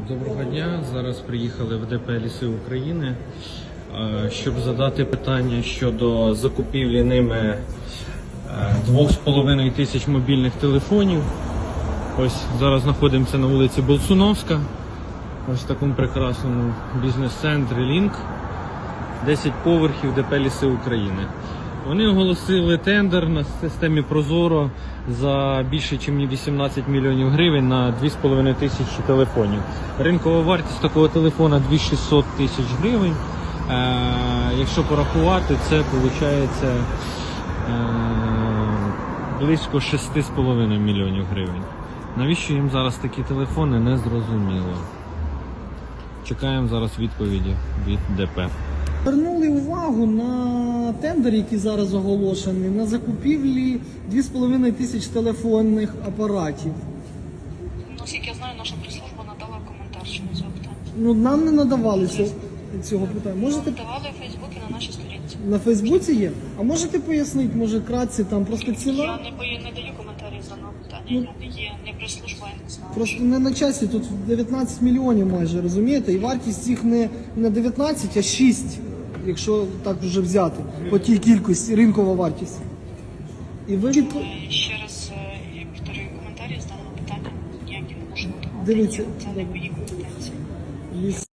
Доброго дня. Зараз приїхали в ДП «Ліси України», щоб задати питання щодо закупівлі ними 2,5 тисяч мобільних телефонів. Ось зараз знаходимося на вулиці Болсуновська, ось в такому прекрасному бізнес-центрі «Лінк», 10 поверхів ДП «Ліси України». Вони оголосили тендер на системі Прозоро за більше ніж 18 мільйонів гривень на 2,5 тисячі телефонів. Ринкова вартість такого телефона 2600 тисяч гривень. Якщо порахувати, це виходить близько 6,5 мільйонів гривень. Навіщо їм зараз такі телефони, не зрозуміло. Чекаємо зараз відповіді від ДП. Звернули увагу на тендер, який зараз оголошений, на закупівлі 2,5 тисяч телефонних апаратів. Наскільки я знаю, наша прес-служба надала коментар щодо цього питання. Ну, нам не надавалися цього питання. Можете Давали у Фейсбуці на нашій сторінці. на Фейсбуці є? А можете пояснити, може, кратці, там просто Я ціна? не даю коментарів за даного питання. Я не є не прес-служба, я не знаю. Просто не на часі, тут 19 мільйонів майже, розумієте? І вартість їх не 19, а 6, якщо так вже взяти, по тій кількості, ринкова вартість. І ви Ще раз повторюю, коментарі з даного питання ніякі не можу надавати. Дивіться, Це не мої компетенції.